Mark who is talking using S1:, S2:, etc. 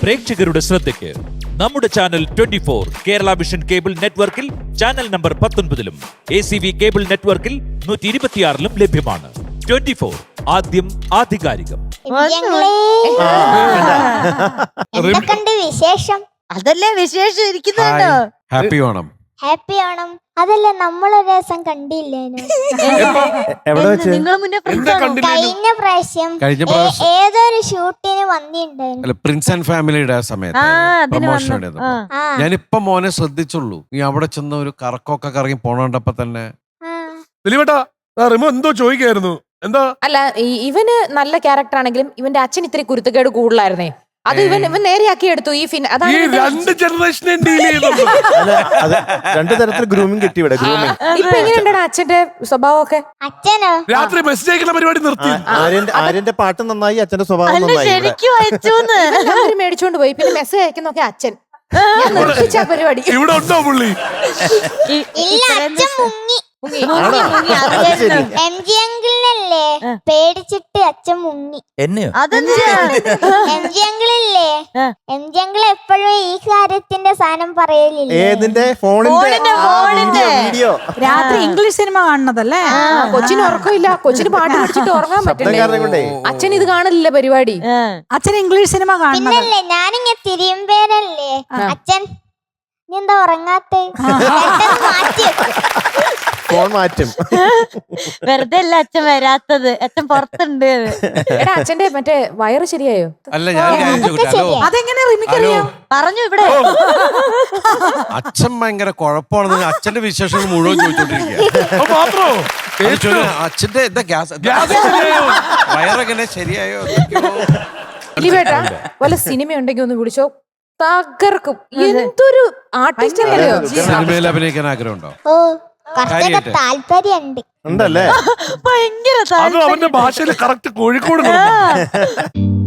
S1: പ്രേക്ഷകരുടെ ശ്രദ്ധയ്ക്ക് നമ്മുടെ ചാനൽ 24 കേരള വിഷൻ കേബിൾ നെറ്റ്വർക്കിൽ ചാനൽ നമ്പർ 19-ലും ACV കേബിൾ നെറ്റ്വർക്കിൽ 126-ലും ലഭ്യമാണ്. 24 ആദ്യം ആധികാരികം.
S2: എന്തൊക്കെയുണ്ട് വിശേഷം?
S3: അതല്ലേ വിശേഷം ഇരിക്കുന്നുണ്ടോ?
S4: ഹാപ്പി ഓണം.
S2: ഹാപ്പി ഓണം. അതല്ലേ നമ്മളൊരു ദിവസം കണ്ടില്ലേനു?
S3: നിങ്ങൾ മുന്നേ
S2: കഴിഞ്ഞ പ്രാവശ്യം ഏതൊരു ഷൂട്ടിന് വന്നിട്ടുണ്ടായിരുന്നു.
S4: പ്രിൻസ് ആൻഡ് ഫാമിലിയുടെ സമയത്ത് പ്രൊമോഷൻ ഞാനിപ്പൊ മോനെ ശ്രദ്ധിച്ചുള്ളൂ. നീ അവിടെ ചെന്ന് ഒരു കറക്കൊക്കെ കറങ്ങി പോണണ്ടപ്പോ തന്നെ
S5: എന്തോ ചോദിക്കായിരുന്നു. എന്താ
S6: അല്ല, ഇവന് നല്ല ക്യാരക്ടർ ആണെങ്കിലും ഇവന്റെ അച്ഛൻ ഇത്തിരി കുരുത്തക്കേട് കൂടുതലായിരുന്നേ. അത് ഇവൻ നേരെയാക്കി എടുത്തു. ഈ അതാണ്
S5: രണ്ട് ജനറേഷനെ ഡീൽ ചെയ്യുന്നത്.
S7: രണ്ടു തരത്തിൽ ഗ്രൂമിംഗ് കിട്ടി ഇവിടെ. ഗ്രൂമിംഗ്
S6: ഇപ്പൊ എങ്ങനെയുണ്ടാണ് അച്ഛന്റെ സ്വഭാവമൊക്കെ?
S2: അച്ഛനോ?
S5: രാത്രി മെസ്സേജ് അയക്കുന്ന പരിപാടി നിർത്തി.
S7: ആര്യന്റെ പാട്ട് നന്നായി, അച്ഛന്റെ സ്വഭാവം നന്നായി.
S3: ശരിക്കും അയച്ചോന്ന്
S6: അവര് മേടിച്ചോണ്ട് പോയി. പിന്നെ മെസ്സേജ് അയക്കുന്നൊക്കെ അച്ഛൻ. ഞാൻ നിർത്തിച്ച പരിപാടി.
S5: ഇവിടെ ഉണ്ടോ പുള്ളി?
S2: ഇല്ല, അച്ഛൻ മുങ്ങി. MG അങ്കിളിനല്ലേ പേടിച്ചിട്ട് അച്ഛൻ മുങ്ങി.
S3: അതെന്താ?
S2: MG അങ്കിളില്ലേ, MG അങ്കിൾ എപ്പോഴും ഈ കാര്യത്തിന്റെ സാധനം പറയലില്ല.
S7: ഏതിന്റെ? ഫോണിന്റെ വീഡിയോ.
S3: രാത്രി ഇംഗ്ലീഷ് സിനിമ കാണുന്നതല്ലേ?
S6: കൊച്ചിന് ഉറക്കമില്ല. കൊച്ചിന് പാട്ട് പഠിച്ചിട്ട് ഉറങ്ങാൻ പറ്റില്ല. അച്ഛൻ ഇത് കാണില്ല പരിപാടി.
S3: അച്ഛൻ ഇംഗ്ലീഷ് സിനിമ കാണുന്നത്.
S2: പിന്നല്ലേ ഞാനിങ്ങനെ തിരിയുമ്പേരല്ലേ അച്ഛൻ നീ എന്താ ഉറങ്ങാത്തെ? മാറ്റി
S7: ഫോൺ മാറ്റും.
S3: വെറുതെ അല്ല അച്ഛൻ വരാത്തത്, അച്ഛൻ പുറത്തുണ്ട്.
S6: എടാ, അച്ഛന്റെ മറ്റേ വയറ് ശരിയായോ?
S4: അല്ല, ഞാൻ
S3: അതെങ്ങനെ റിമിക്കറിയോ? പറഞ്ഞു ഇവിടെ.
S4: അച്ഛൻ ഭയങ്കര കുഴപ്പമാണെന്ന് അച്ഛന്റെ വിശേഷങ്ങൾ മുഴുവൻ ചോദിച്ചോണ്ടിരിക്കുക. അച്ഛന്റെ എന്താ ഗ്യാസ് വയറെങ്ങനെ ശരിയായോ?
S6: ഇലിവേട്ടാ, വല്ല സിനിമ ഉണ്ടെങ്കിൽ ഒന്ന് വിളിച്ചോ, തകർക്കും. എന്തൊരു ആർട്ടിസ്റ്റ് അല്ലയോ.
S4: സിനിമയിൽ അഭിനയിക്കാൻ ആഗ്രഹമുണ്ടോ?
S2: ഓ, കുറച്ചൊക്കെ താല്പര്യമുണ്ട്.
S7: ഉണ്ടല്ലേ?
S3: ഭയങ്കര
S5: അത് അവന്റെ ഭാഷയിൽ കറക്റ്റ് കോഴിക്കോട്